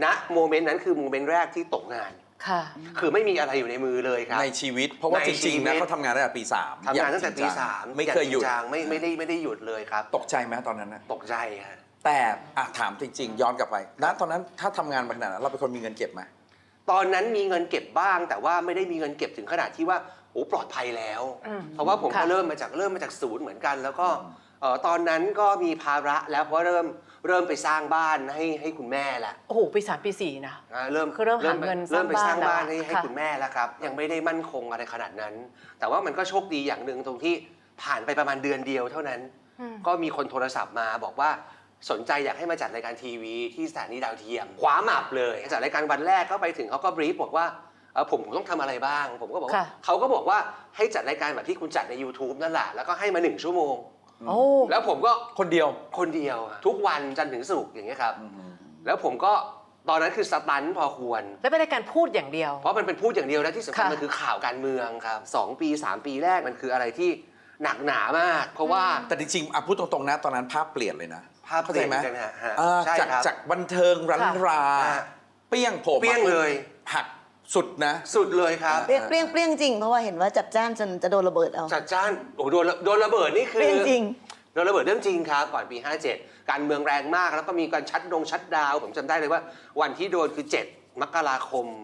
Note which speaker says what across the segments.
Speaker 1: ณโมเมนต์นั้นคือโมเมนต์แรกที่ตกงาน
Speaker 2: ค่ะ
Speaker 1: คือไม่มีอะไรอยู่ในมือเลยครับ
Speaker 3: ในชีวิตเพราะว่าจริงๆนะเขาทำงานตั้งแต่ปี3
Speaker 1: ทำงานตั้งแต่ปี3
Speaker 3: ไม่เคยหยุด
Speaker 1: ไม่ได้หยุดเลยครับ
Speaker 3: ตกใจไหมตอนนั้นนะ
Speaker 1: ตกใจครับ
Speaker 3: แต่ถามจริงๆย้อนกลับไปณตอนนั้นถ้าทำงานมาขนาดนั้นเราเป็นคนมีเงินเก็บไหม
Speaker 1: ตอนนั้นมีเงินเก็บบ้างแต่ว่าไม่ได้มีเงินเก็บถึงขนาดที่ว่าโอ้ปลอดภัยแล้วเพราะว่าผมก็เริ่มมาจากศูนย์เหมือนกันแล้วก็ตอนนั้นก็มีภาระแล้วเพราะเริ่มไปสร้างบ้านให้คุณแม่ละ
Speaker 2: โอ้โหปี3ปี4นะ
Speaker 1: เริ่ม
Speaker 2: หาเงิน
Speaker 1: เริ่มไปสร้างบ้านให้
Speaker 2: ค่ะ
Speaker 1: คุณแม่แล้วครับยังไม่ได้มั่นคงอะไรขนาดนั้น แต่ว่ามันก็โชคดีอย่างหนึ่งตรงที่ผ่านไปประมาณเดือนเดียวเท่านั้นก็มีคนโทรศัพท์มาบอกว่าสนใจอยากให้มาจัดรายการทีวีที่สถานีดาวเทียมคว้าหมับเลยจัดรายการวันแรกเข้าไปถึงเขาก็บรีฟบอกว่าผมต้องทำอะไรบ้างผมก็บอกว่าเขาก็บอกว่าให้จัดรายการแบบที่คุณจัดใน YouTube นั่นแหละแล้วก็ให้มา1 ชั่วโมงแล้วผมก็
Speaker 3: คนเดียว
Speaker 1: ทุกวันจันทร์ถึงศุกร์อย่างเงี้ยครับแล้วผมก็ตอนนั้นคือสตันพอควร
Speaker 2: แล้วเป็นรายการพูดอย่างเดียว
Speaker 1: เพราะมันเป็นพูดอย่างเดียวและที่สำคัญมันคือข่าวการเมืองครับ2 ปี 3 ปีแรกมันคืออะไรที่หนักหนามากเพราะว่า
Speaker 3: แต่จริงๆพูดตรงๆนะตอนนั้นภาพเปลี่ยนเลยนะ
Speaker 1: ภาพเปลี่ยนกันฮะ
Speaker 3: จากบันเทิงรันราเปี้ยงผม
Speaker 1: เปี้ยงเลย
Speaker 3: หักสุดนะ
Speaker 1: สุดเลยครับ
Speaker 4: เปรี้ยงจริงเพราะว่าเห็นว่าจัดจ้านจนจะโดนระเบิดเอา
Speaker 1: จัดจ้านโอ้โดนระเบิดนี่คือ
Speaker 4: เปรี้ยงจริง
Speaker 1: โดนระเบิดเรื่องจริงครับก่อนปี57การเมืองแรงมากแล้วก็มีการชัดดาวน์ผมจำได้เลยว่าวันที่โดนคือ7 มกราคม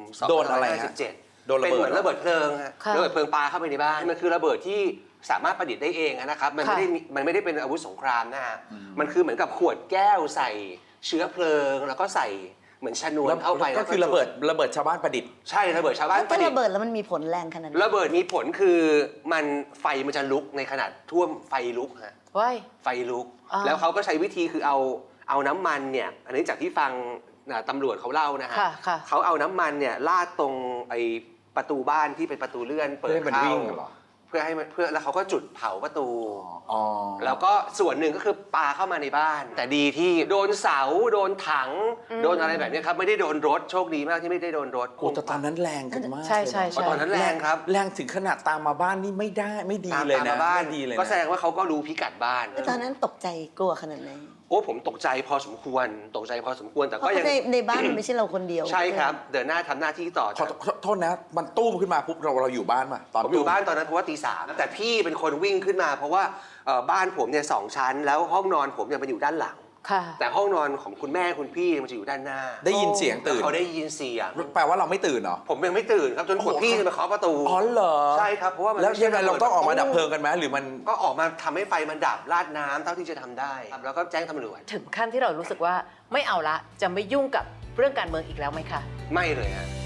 Speaker 1: 2557
Speaker 3: โดนระเบิด
Speaker 1: เป็นเหมือนระเบิดเพลิงระเบิดเพลิงปาเข้าไปในบ้านมันคือระเบิดที่สามารถประดิษฐ์ได้เองนะครับมันไม่ได้เป็นอาวุธสงครามนะฮะมันคือเหมือนกับขวดแก้วใส่เชื้อเพลิงแล้วก็ใส่เหมือนชนวนเข้าไป
Speaker 3: ก็คือระเบิดชาวบ้านประดิษฐ์
Speaker 1: ใช่ระเบิดชาวบ้าน
Speaker 4: ประดิษฐ์ระเบิดแล้วมันมีผลแรงขนาดนั้น
Speaker 1: ระเบิดมีผลคือไฟมันจะลุกในขนาดท่วมไฟลุกฮะไฟลุกแล้วเขาก็ใช้วิธีคือเอาน้ำมันเนี่ยอันนี้จากที่ฟังตำรวจเขาเล่านะฮะเขาเอาน้ำมันเนี่ยลาดตรงไอ้ประตูบ้านที่เป็นประตูเลื่อนเปิดเข้าเพื่อแล้วเขาก็จุดเผาประตูแล้วก็ส่วนหนึ่งก็คือปาเข้ามาในบ้านแต่ดีที่โดนเสาโดนถังโดนอะไรแบบนี้ครับไม่ได้โดนรถโชคดีมากที่ไม่ได้โดนรถ
Speaker 3: โอ้แต่ตอนนั้นแรงกันมาก
Speaker 2: ใช่
Speaker 1: ตอนนั้นแรงครับ
Speaker 3: แรงถึงขนาดตามมาบ้านนี่ไม่ดีเลยนะ
Speaker 1: ไม่ดีเลยก็แสดงว่าเขาก็รู้พิกัดบ้าน
Speaker 4: ตอนนั้นตกใจกลัวขนาดไหน
Speaker 1: โอ้ผมตกใจพอสมควรแต่ก็ยัง
Speaker 4: ในบ้านมันไม่ใช่เราคนเดียว
Speaker 1: ใช่ครับเดินหน้าทำหน้าที่ต่อ
Speaker 3: ขอโทษนะมันตู้มขึ้นมาปุ๊บเราอยู่บ้านมา
Speaker 1: ผมอยู่บ้านตอนนั้นเพราะว่าตี 3แต่พี่เป็นคนวิ่งขึ้นมาเพราะว่าบ้านผมเนี่ย2 ชั้นแล้วห้องนอนผมเนี่ยมันอยู่ด้านหลังแต่ห้องนอนของคุณแม่คุณพี่มันจะอยู่ด้านหน้า
Speaker 3: ได้ยินเสียงตื่น
Speaker 1: เขาได้ยินเสียง
Speaker 3: แปลว่าเราไม่ตื่นเหรอ
Speaker 1: ผมยังไม่ตื่นครับจนคุณพี่จะมาเคาะประตู
Speaker 3: อ๋อเหรอ
Speaker 1: ใช่ครับเพราะว่า
Speaker 3: แล้วยังไงเราต้องออกมาดับเพลิงกันไหมหรือมัน
Speaker 1: ก็ออกมาทำให้ไฟมันดับราดน้ำเท่าที่จะทำได้แล้วก็แจ้งตำรวจ
Speaker 2: ถึงขั้นที่เรารู้สึกว่าไม่เอาละจะไม่ยุ่งกับเรื่องการเมืองอีกแล้วไหมคะ
Speaker 1: ไม่เลยฮะ